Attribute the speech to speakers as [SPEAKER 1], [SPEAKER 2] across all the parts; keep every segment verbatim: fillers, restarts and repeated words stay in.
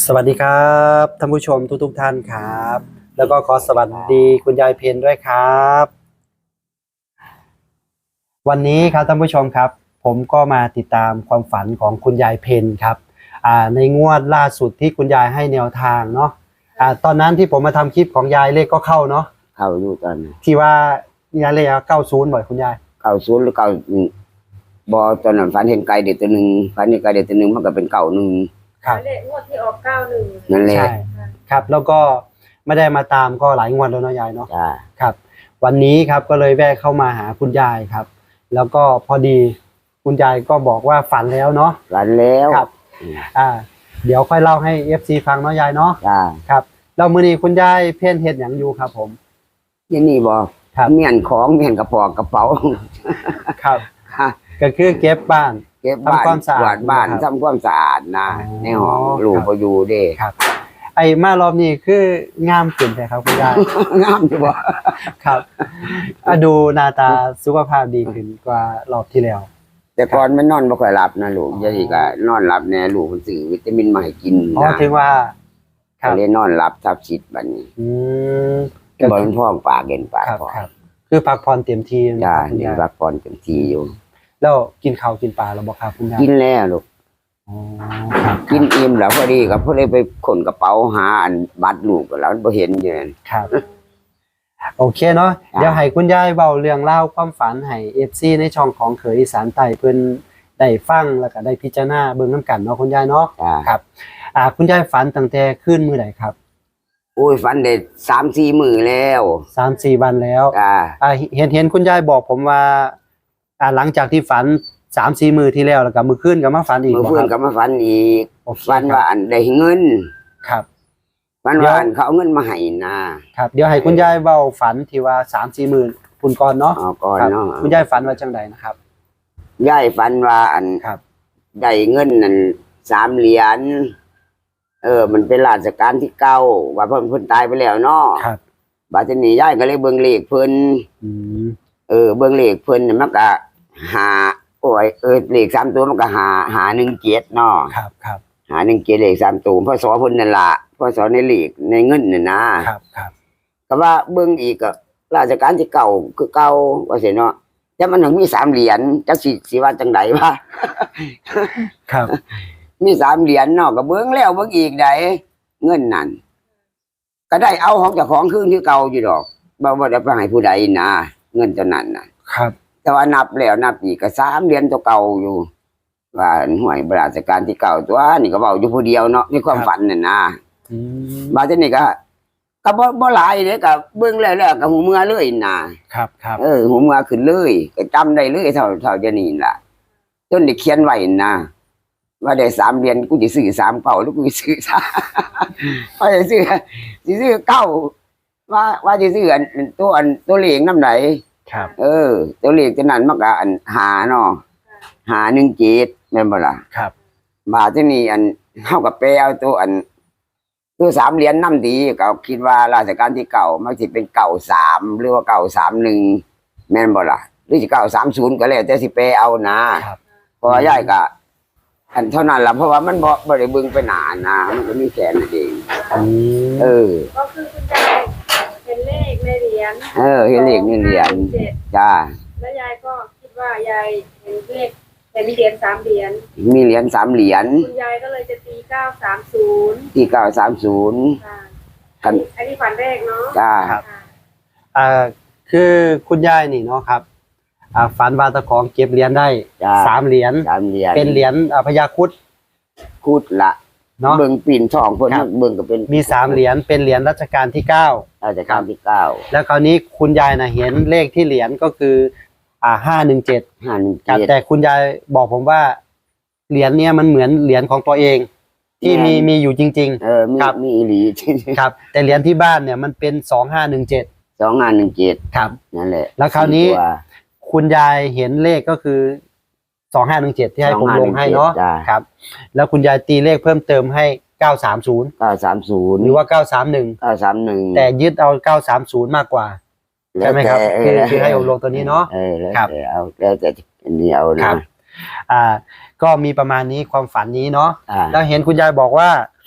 [SPEAKER 1] สวัสดีครับท่านผู้ชมทุกทุกท่านครับแล้วก็ขอสวัสดีคุณยายเพนด้วยครับวันนี้ครับท่านผู้ชมครับผมก็มาติดตามความฝันของคุณยายเพนครับอ่าในงวดล่าสุดที่คุณยายให้แนวทางเนาะอ่าตอนนั้นที่ผมมาทำคลิปของยายเลขก็เข้าเนาะ
[SPEAKER 2] เข้าอยู่ตอนนี้
[SPEAKER 1] ที่ว่ายายเลขเก้าศูนย์บ่อยคุณยาย
[SPEAKER 2] เก้าศูนย์หรือเก้าบอตอนนั้นฝันเห็นไก่เด็ดตัวหนึ่งฝันเห็นไก่เด็ดตัวหนึ่งมันก็เป็นเก้าหนึ่ง
[SPEAKER 1] ครับ
[SPEAKER 3] เลขงวดที่ออกเก้าหนึ่ง
[SPEAKER 2] นั่นแหละ
[SPEAKER 1] ใช่ครับแล้วก็ไม่ได้มาตามก็หลายงวดแล้วเนาะยายเนาะ
[SPEAKER 2] จ้า
[SPEAKER 1] ครับวันนี้ครับก็เลยแวะเข้ามาหาคุณยายครับแล้วก็พอดีคุณยายก็บอกว่าฝันแล้วเนาะ
[SPEAKER 2] ฝันแล้ว
[SPEAKER 1] ครับอ่าเดี๋ยวค่อยเล่าให้ เอฟ ซี ฟังเนาะยายเนาะ
[SPEAKER 2] จ้า
[SPEAKER 1] ครับแล้วมื้อนี้คุณยายเพ่นเฮ็ดหยังอยู่ครับผม
[SPEAKER 2] ยี่นี่บอกเมียนของเมียนกระปอกกระเป๋า
[SPEAKER 1] ครับก็คือเก็บบ้าน
[SPEAKER 2] เก็บบ้านความสะอาดบ้านทำความสะอาดนะในห้องลูกพออยู่เด้
[SPEAKER 1] ครับไอ้มารอบนี้คืองามขึ้นใช่ครับคุณยาย
[SPEAKER 2] งามอยู่บ่
[SPEAKER 1] ครับดูหน้าตาสุขภาพดีขึ้นกว่ารอบที่แล้ว
[SPEAKER 2] แต่ก่อนมันนอนไม่ค่อยหลับนะลูกยายก็นอนหลับแน่ลูกมันซื้อวิตามินมาให้กิน
[SPEAKER 1] อ๋อถึงว่า
[SPEAKER 2] ก็เลยนอนหลับทับชิดบัดนี้
[SPEAKER 1] อืม
[SPEAKER 2] ก็บ่พ้องปากเห็นปากพอ
[SPEAKER 1] ครับคือพักผ่อนเต็มที่
[SPEAKER 2] จ้านี่พักผ่อนเต็มที่อยู่
[SPEAKER 1] แล้วกินข้าวกินปลาแล้วบ่ครับคุณยาย
[SPEAKER 2] กินแล้วลูก
[SPEAKER 1] อ๋อครับ
[SPEAKER 2] กินอิ่มแล้วพอดีก็พอดีไปขนกระเป๋าหาอันบัตรลูกก็แล้วบ่เห็นอยู่นั่น
[SPEAKER 1] ครับโอเคเนาะเดี๋ยวให้คุณยายเว้าเรื่องเล่าความฝันให้ เอฟ ซี ในช่องของเขยอีสานใต้เพิ่นได้ฟังแล้วก็ได้พิจารณาเบิ่งนำกันเนาะคุณยายเนาะครับอ่าคุณยายฝันตั้งแต่คืนมื้อใดครับ
[SPEAKER 2] โอ้ยฝันได้ สามสี่ มื้อแล้ว
[SPEAKER 1] สามสี่ วันแล้ว
[SPEAKER 2] อ่า
[SPEAKER 1] อ่าเห็นเห็นคุณยายบอกผมว่าอ่าหลังจากที่ฝัน สามสี่ มื้อที่แล้วแล้วก็มื้อคืนก็มาฝันอีก
[SPEAKER 2] มื้อคืนก็มาฝันอีกฝันว่าอันได้เงิน
[SPEAKER 1] ครับ
[SPEAKER 2] ฝันว่าอันเขาเอาเงินมาให้นะครับ
[SPEAKER 1] เดี๋ยวให้คุณยายเว้าฝันที่ว่า สามสี่ มื้อพุ่นก่อนเนาะ
[SPEAKER 2] อ๋อก่อนเนาะ
[SPEAKER 1] คุณยายฝันว่าจังไดนะครับ
[SPEAKER 2] ยายฝันว่าอัน
[SPEAKER 1] ครับ
[SPEAKER 2] ได้เงินนั่นสามเหรียญเออมันเป็นราชการที่เก้าว่าเพิ่นเพิ่นตายไปแล้วเนาะ
[SPEAKER 1] ครับ
[SPEAKER 2] บาดนี้ยายก็เลยเบิ่งเลขเพิ่น
[SPEAKER 1] อืม
[SPEAKER 2] เออเบิ่งเลขเพิ่นมันก็หาโอ้ยเออเลขสามตัวมันก็หาหาหนึ่งเจ็ดเนาะ
[SPEAKER 1] ครับครับ
[SPEAKER 2] หาหนึ่งเจ็ดเลขสามตัวพศเพิ่นนั่นล่ะพศในเลขในเงินน่ะนะครับ
[SPEAKER 1] ครับ
[SPEAKER 2] ก็ว่าเบิ่งอีกก็ราชการที่เก่าคือเก่าว่าซี่เนาะแต่มันถึงมีสามเหรียญจักสิสิว่าจังไดวะ
[SPEAKER 1] ครับ
[SPEAKER 2] มีสามเหรียญเนาะก็เบิ่งแล้วเบิ่งอีกได้เงินนั่นก็ได้เอาของเจ้าของคืนคือเก่าอยู่ดอกบ่บ่ได้ไปให้ผู้ใดนะเงินตัวนั้นน่ะ
[SPEAKER 1] ครับ
[SPEAKER 2] แต่ว่านับแล้วนับอีกก็สามเหรียญตัวเก่าอยู่ว่าหน่วยราชการที่เก่าตัวนี่ก็เว้าอยู่ผู้เดียวเนาะในความฝันน่ะนะ
[SPEAKER 1] อืม
[SPEAKER 2] บาดนี้ก็ก็บ่บ่หลายเด้ก็เบิ่งแล้วๆก็หูเมื่อเลยนะครับ
[SPEAKER 1] ครับ
[SPEAKER 2] เออหูเมื่อขึ้นเลยก็จำได้เลยเท่าเท่าจะนี่ล่ะจนได้เขียนไว้นะว่าได้สามเหรียญกูสิซื้อสามเก้าหรือกูสิซื้อว่าสิซื้อสิซื้อเก้าว่าว่าสิซื้ออันตัวอันตัวเลขนำไหน
[SPEAKER 1] ครับ
[SPEAKER 2] เออตัวเลขตัวนั้นมันก็อันหาเนาะหาหนึ่งเจ็ดแม่นบ่ล่ะ
[SPEAKER 1] ครับ
[SPEAKER 2] บาดนี้อันเฮาก็ไปเอาตัวอันตัวสามเหรียญนำดีก็คิดว่าราชการที่เก่ามันสิเป็นเก้าสามหรือว่าเก้าสามหนึ่งแม่นบ่ล่ะหรือสิเก้าสามศูนย์ก็แล้วแต่สิไปเอานะครับเพราะว่ายายก็อันเท่านั้นล่ะเพราะว่ามันบ่บ่ได้เบิ่งไปนานนะมันก็มีแค่นั้นเองเออ
[SPEAKER 3] ก็คือคุณยายเห็นเลขในเหรียญ
[SPEAKER 2] เออเห็นเลขในเหรียญจ้า
[SPEAKER 3] แล้วยายก็คิดว่ายายเห็นเลขเห็นเหรียญสามเหรียญ
[SPEAKER 2] มีเหรียญสามเหรียญ
[SPEAKER 3] คุณยายก็เลยจะตีเก้าสามศูนย์
[SPEAKER 2] ตีเก้าสามศูนย์
[SPEAKER 3] อันนี้ฝันแรกเนาะ
[SPEAKER 2] จ้า
[SPEAKER 1] ครับอ่าคือคุณยายนี่เนาะครับอ่าฝันว่าตะของเก็บเหรียญได้สามเหรียญ
[SPEAKER 2] สามเหรียญ
[SPEAKER 1] เป็นเหรียญพญาครุฑ
[SPEAKER 2] ครุฑละเนาะเบิ่งปีนทองเพิ่นเบิ่งก็เป็น
[SPEAKER 1] มีสามเหรียญเป็นเหรียญรัชกาลที่เก้า
[SPEAKER 2] รัชกาลที่เก้า
[SPEAKER 1] แล้วคราวนี้คุณยายน่ะเห็นเลขที่เหรียญก็คืออ่าห้าหนึ่งเจ็ด
[SPEAKER 2] ห้าหนึ่งเจ็ด
[SPEAKER 1] แต่คุณยายบอกผมว่าเหรียญเนี้ยมันเหมือนเหรียญของตัวเองที่มีมีอยู่จริง
[SPEAKER 2] ๆเออมีมีอีหลี
[SPEAKER 1] ครับแต่เหรียญที่บ้านเนี่ยมันเป็นสองห้าหนึ่งเจ็ด
[SPEAKER 2] สองห้าหนึ่งเจ็ด
[SPEAKER 1] ครับ
[SPEAKER 2] นั่นแหละ
[SPEAKER 1] แล้วคราวนี้คุณยายเห็นเลขก็คือสองห้าหนึ่งเจ็ดที่ให้ผมลงให้เนาะครับแล้วคุณยายตีเลขเพิ่มเติมให้เก้าสามศูนย์
[SPEAKER 2] เก้าสามศูนย์
[SPEAKER 1] หรือว่าเก้าสามหนึ่ง
[SPEAKER 2] เก้าสามหนึ่ง
[SPEAKER 1] แต่ยึดเอาเก้าสามศูนย์มากกว่าใช่ไหมครับคือคือให้ผมลงตัวนี้เนาะ
[SPEAKER 2] เออแล้วแต่เอาแล้วแต่อันนี้เอานะ
[SPEAKER 1] อ่าก็มีประมาณนี้ความฝันนี้เนาะแล้วเห็นคุณยายบอกว่า ค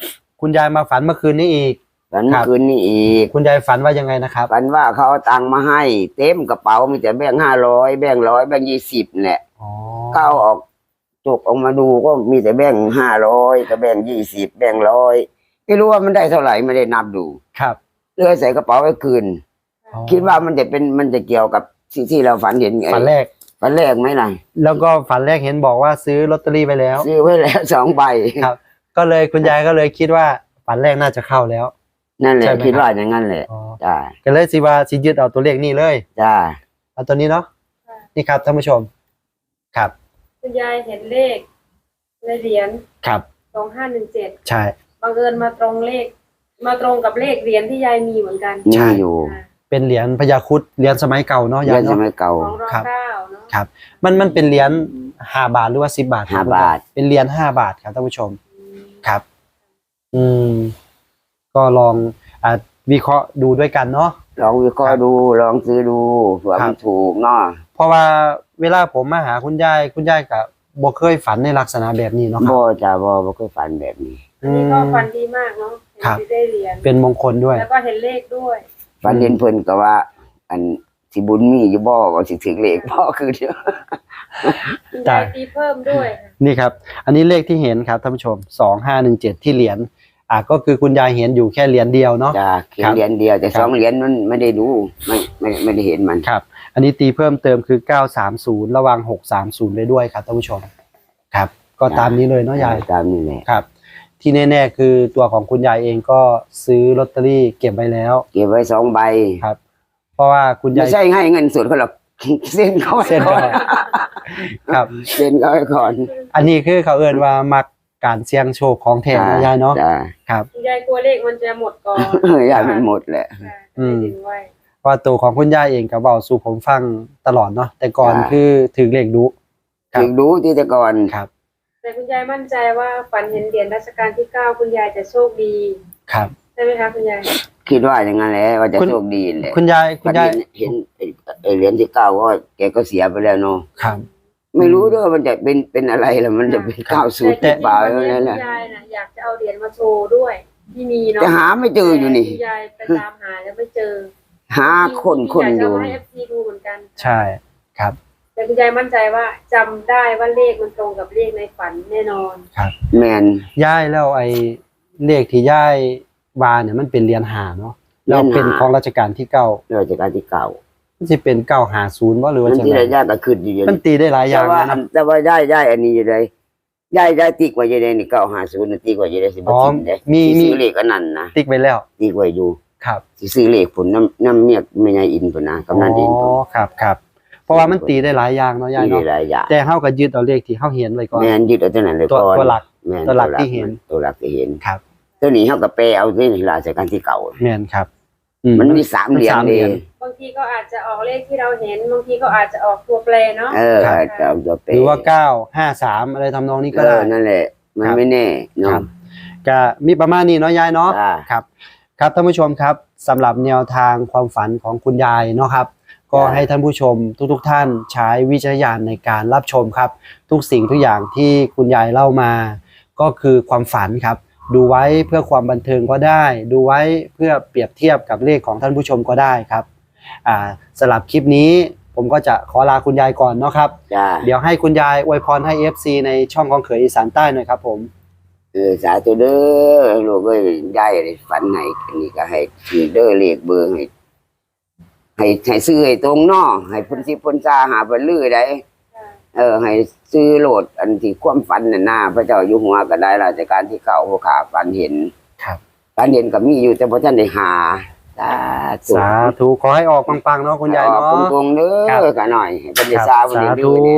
[SPEAKER 1] คุณยายมาฝันเมื่อคืนนี้อีก
[SPEAKER 2] ฝันเมื่อคืนนี้อีก
[SPEAKER 1] คุณยายฝันว่ายังไงนะครับ
[SPEAKER 2] ฝันว่าเขาเอาตังค์มาให้เต็มกระเป๋ามีแต่แบงค์ห้าร้อยแบงค์ร้อยแบงค์ยี่สิบแหละ
[SPEAKER 1] อ๋อ
[SPEAKER 2] ก็เอาออกจกออกมาดูก็มีแต่แบงค์ห้าร้อยกับแบงค์ยี่สิบแบงค์ร้อยไม่รู้ว่ามันได้เท่าไหร่ไม่ได้นับดู
[SPEAKER 1] ครับ
[SPEAKER 2] เลยใส่กระเป๋าไว้คืน
[SPEAKER 1] อ๋อ
[SPEAKER 2] คิดว่ามันจะเป็นมันจะเกี่ยวกับที่ที่เราฝันเห็นไง
[SPEAKER 1] ฝันแรก
[SPEAKER 2] ฝันแรกไหมล่ะ
[SPEAKER 1] แล้วก็ฝันแรกเห็นบอกว่าซื้อลอตเตอรี่ไปแล้ว
[SPEAKER 2] ซื้อไว้แล้วสองใบ
[SPEAKER 1] ครับ ก็เลยคุณยายก็เลยคิดว่าฝันแรกน่าจะเข้าแล้ว
[SPEAKER 2] นั่นแหละ
[SPEAKER 1] ใช่ไหม
[SPEAKER 2] คิดว่าอย่างนั้นแหละ
[SPEAKER 1] อ๋อ
[SPEAKER 2] จ้า
[SPEAKER 1] ก็เลยสิว่าสิยึดเอาตัวเลขนี่เลย
[SPEAKER 2] จ้า
[SPEAKER 1] เอาตัวนี้เนาะนี่ครับท่านผู้ชมครับ
[SPEAKER 3] คุณยายเห็นเลขในเหรียญ
[SPEAKER 1] ครับ
[SPEAKER 3] สองห้าหนึ่งเจ็ด
[SPEAKER 1] ใช่
[SPEAKER 3] บังเอิญมาตรงเลข มาตรงกับเลขเหรียญที่ยายมีเหมือนกัน
[SPEAKER 1] ใช่
[SPEAKER 2] มีอยู่
[SPEAKER 3] ค่ะ
[SPEAKER 1] เป็นเหรียญพญาครุฑเหรียญสมัยเก่าเนาะ
[SPEAKER 2] เรี
[SPEAKER 1] ยาย ย
[SPEAKER 2] นส
[SPEAKER 1] เนาะ
[SPEAKER 2] มัยเก่า
[SPEAKER 3] ของรอ
[SPEAKER 1] ครับ
[SPEAKER 3] เก้าเนาะ
[SPEAKER 1] ครับ มันมันเป็นเหรียญห้าบาทหรือว่าสิบบาทครั
[SPEAKER 2] ห้าบาท
[SPEAKER 1] เป็นเหรียญห้าบาทครับท่านผู้ชมครับ อืม ก็ลองอ่าวิเคราะห์ดูด้วยกันเนาะ
[SPEAKER 2] ลองวิเคราะห์ดูลองซื้อดูเผื่อ
[SPEAKER 1] ครั
[SPEAKER 2] มัน
[SPEAKER 1] บ
[SPEAKER 2] ถูกเนาะ
[SPEAKER 1] เพราะว่าเวลาผมมาหาคุณยายคุณยายกับบ่เคยฝันในลักษณะแบบนี้เนาะครับ
[SPEAKER 2] บ่จ้าบ่บ่เคยฝันแบบนี้
[SPEAKER 3] อันนี้ก็ฟันดีมากเนาะเห็น
[SPEAKER 1] ครับ
[SPEAKER 3] ที่ได้เหรียญ
[SPEAKER 1] เป็นมงคลด้วย
[SPEAKER 3] แล้วก็เห็นเลขด้วย
[SPEAKER 2] ฝันเห็นเพิ่นก็ว่า อันสิบุญมีอยู่บ่ว่าสิถึงเลขบ่คือเดียว
[SPEAKER 3] คุณยายตีเพิ่มด้วย
[SPEAKER 1] นี่ครับ อันนี้เลขที่เห็นครับท่านผู้ชมสองห้าหนึ่งเจ็ดที่เหรียญอ่าก็คือคุณยายเห็นอยู่แค่เหรียญเดียวเนาะ
[SPEAKER 2] จ้าเขีย
[SPEAKER 1] ครั
[SPEAKER 2] น
[SPEAKER 1] บ
[SPEAKER 2] เหรียญเดียวแต่
[SPEAKER 1] ครับ
[SPEAKER 2] สองเหรียญนั้นไม่ได้ดูไม่ไม่ไม่ได้เห็นมัน
[SPEAKER 1] ครับ อันนี้ตีเพิ่มเติมคือเก้าสามศูนย์ระวังหกสามศูนย์ไปด้วยครับท่านผู้ชมครับ ก็ตามนี้เลยเนาะยาย
[SPEAKER 2] ตามนี่แหละ
[SPEAKER 1] ครับ ที่แน่ๆคือตัวของคุณยายเองก็ซื้อลอตเตอรี่เก็บไว้แล้ว
[SPEAKER 2] เก็บไว้สองใบ
[SPEAKER 1] ครับ เพราะว่าคุณ
[SPEAKER 2] ไม่
[SPEAKER 1] ยาย
[SPEAKER 2] ใช่ให้เงินสดเขาหรอก เส้นเขาไว้
[SPEAKER 1] เส้น
[SPEAKER 2] ก่
[SPEAKER 1] ก่
[SPEAKER 2] อ
[SPEAKER 1] อน นครับ
[SPEAKER 2] เส้นเขาไว้ก่อน
[SPEAKER 1] อันนี้คือเขาเอิ้นว่ามักการเสี่ยงโชคของแท้นะยายเนาะ
[SPEAKER 2] จ้า
[SPEAKER 1] ครับ
[SPEAKER 3] คุณยายกลัวเลขมันจะหมดก่อน
[SPEAKER 2] เออยายมันหมดแหละ
[SPEAKER 3] ค่ะ
[SPEAKER 1] อืม
[SPEAKER 3] ดึงไว้
[SPEAKER 1] เพราะว่าตัวของคุณยายเองก็เว้าสู่ผมฟังตลอดเนาะแต่ก่อน
[SPEAKER 2] จ้ะ
[SPEAKER 1] คือถึงเลขดุ ครับ
[SPEAKER 2] ถึงดูที่แต่ก่อน
[SPEAKER 1] ครับ
[SPEAKER 3] แต่คุณยายมั่นใจว่าฝันเห็นเหรียญรัชกาลที่เก้าคุณยายจะโชคดี
[SPEAKER 1] ครับ
[SPEAKER 3] ใช่ไหมคะคุณยาย
[SPEAKER 2] คิดว่าอย่างนั้นแหละว่าจะ
[SPEAKER 1] คุณ
[SPEAKER 2] โชคดีแหละ
[SPEAKER 1] คุณยายคุณยาย
[SPEAKER 2] เห็นไอ้ไอ้เหรียญที่เก้าก็แกก็เสียไปแล้วเนาะ
[SPEAKER 1] ครับ
[SPEAKER 2] ไม่รู้ด้วยว่ามันจะเป็นเป็นอะไรล่ะมันจะเป็น
[SPEAKER 1] ครับ
[SPEAKER 2] เก้าศูนย์
[SPEAKER 3] แต่
[SPEAKER 2] เปล่า
[SPEAKER 3] จริงๆ
[SPEAKER 2] อะไร
[SPEAKER 3] วันนี้
[SPEAKER 2] แหละ
[SPEAKER 3] คุณยายน่ะอยากจะเอาเหรียญมาโชว์ด้วยที่มีเนาะ
[SPEAKER 2] จะหาไม่เจออยู่นี่
[SPEAKER 3] คุณยายไปตามหาแล้วไม่เจอ
[SPEAKER 2] หาคนคนอยู่
[SPEAKER 3] อยากจะให้เอฟซีดูเหมือนกัน
[SPEAKER 1] ใช่ครับ
[SPEAKER 3] แต่คุณยายมั่นใจว่าจำได้ว่าเลขมันตรงกับเลขในฝันแน่นอน
[SPEAKER 1] ครับ
[SPEAKER 2] แมน
[SPEAKER 1] ย่ายแล้วไอ้เลขที่ย่ายวาเนี่ยมันเป็นเหรียญหาเนาะแล้วเป็นของรัชกาลที่เก้า
[SPEAKER 2] ราชการที่เก่า
[SPEAKER 1] มันจะเป็นเก้าหาศูนย์ว่าหรือว่า
[SPEAKER 2] มัน
[SPEAKER 1] จะ
[SPEAKER 2] ที่
[SPEAKER 1] ไง
[SPEAKER 2] ระยะก็ขึ้นอยู่อย่าง
[SPEAKER 1] มัน
[SPEAKER 2] นี้
[SPEAKER 1] ตีได้หลายอ
[SPEAKER 2] แต่
[SPEAKER 1] ย่าง
[SPEAKER 2] ว่า
[SPEAKER 1] นะ
[SPEAKER 2] แต่ว่าได้ได้อันนี้อยู่เลยได้ได้ตีกว่าอยู่เลยนี่เก้าห้าศูนย์ตีกว่าอยู่เลยสิบ
[SPEAKER 1] อ๋อ
[SPEAKER 2] ทิมเลย
[SPEAKER 1] มี
[SPEAKER 2] สิ
[SPEAKER 1] มี
[SPEAKER 2] ซื้อเลขอันนั้นนะ
[SPEAKER 1] ติ๊กไว้แล้ว
[SPEAKER 2] ตีกว่าอยู่
[SPEAKER 1] ครับ
[SPEAKER 2] สิซื้อเลขผลน้ำน้ำเมียกไม่ใช่อินผลนะกำนันอินผ
[SPEAKER 1] อ๋
[SPEAKER 2] ล
[SPEAKER 1] อครับครับเพราะว่ามันตีได้หลายอย่างเนาะย่าย
[SPEAKER 2] มี
[SPEAKER 1] เนาะ
[SPEAKER 2] หลายอย่าง
[SPEAKER 1] แต่เฮาก็ยึดเอาเลขที่เฮาเห็นไว้ก่อน
[SPEAKER 2] แมนยึดเอาตัวนั้นเลย
[SPEAKER 1] ตัว
[SPEAKER 2] ก่อน
[SPEAKER 1] ตัวหลัก
[SPEAKER 2] แม่น
[SPEAKER 1] ตัวหลักที่เห็น
[SPEAKER 2] ตัวหลักที่เห็น
[SPEAKER 1] ครับ
[SPEAKER 2] ตัวนี้เขาก็แปลเอาที่ราชการที่เก่า
[SPEAKER 1] แม่นครับ
[SPEAKER 2] มันมีสามเหรียญ
[SPEAKER 1] สาม
[SPEAKER 2] เล
[SPEAKER 1] เหรี
[SPEAKER 2] ย
[SPEAKER 1] ยญ
[SPEAKER 3] บางทีก็อาจจะออกเลขที่เราเห็นบางทีก็อาจจะออกตัวแปรเนาะ
[SPEAKER 2] เออ
[SPEAKER 1] ครับ
[SPEAKER 2] จะเอาตัวแปล
[SPEAKER 1] หรือว่าเก้าห้าสามอะไรทำนองนี้ก็
[SPEAKER 2] เอ
[SPEAKER 1] ได้
[SPEAKER 2] อนั่นแหละ มัน
[SPEAKER 1] ครับ
[SPEAKER 2] ไม่แน่
[SPEAKER 1] ค
[SPEAKER 2] เนาะ
[SPEAKER 1] รับก็มีประมาณนี้เนาะยายเนาะ
[SPEAKER 2] อ่า
[SPEAKER 1] ครับครับท่านผู้ชมครับสำหรับแนวทางความฝันของคุณยายเนาะครับ ก็ให้ท่านผู้ชมทุกๆท่านใช้วิจารณญาณในการรับชมครับ ทุกสิ่งทุกอย่างที่คุณยายเล่ามา ก็คือความฝันครับ ดูไว้เพื่อความบันเทิงก็ได้ ดูไว้เพื่อเปรียบเทียบกับเลขของท่านผู้ชมก็ได้ครับอ่าสำหรับคลิปนี้ผมก็จะขอลาคุณยายก่อนเนาะครับ
[SPEAKER 2] จ้า
[SPEAKER 1] เดี๋ยวให้คุณยายอวยพรให้ เอฟ ซี ในช่องของเขยอีสานใต้หน่อยครับผม
[SPEAKER 2] เออสาธุเด้อลูกเอ้ยได้ฝันให้อันนี้ก็ให้ถือเด้อเลขเบอร์ให้ให้ให้ซื้อให้ตรงเนาะให้เพ้นสิเพ้นซาหาเพิ่นลือได้
[SPEAKER 3] ค่ะ
[SPEAKER 2] เออให้ซื้อโหลดอันที่ความฝันน่ะหน้าพระเจ้าอยู่หัวก็ได้ราชการที่เก่าผู้ขาฝันเห็น
[SPEAKER 1] ครับ
[SPEAKER 2] ฝันเห็นก็มีอยู่แต่บ่ทันได้หาสาธุ
[SPEAKER 1] สาธุขอให้ออกปังๆเนาะคุณยายเนาะ
[SPEAKER 2] ออกตรงๆเด้
[SPEAKER 1] ครับ
[SPEAKER 2] อกันหน่อยให้เพิ่นได้
[SPEAKER 1] ครับ
[SPEAKER 2] ทราบเพิ่น
[SPEAKER 1] สา
[SPEAKER 2] ได้
[SPEAKER 1] ธุ
[SPEAKER 2] รู้เนี่ย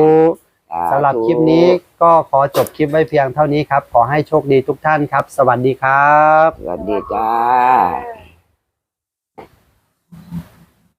[SPEAKER 1] สำหรับคลิปนี้ก็ขอจบคลิปไว้เพียงเท่านี้ครับ ขอให้โชคดีทุกท่านครับ สวัสดีครับ
[SPEAKER 2] สวัสดีจ้า
[SPEAKER 3] ค่ะ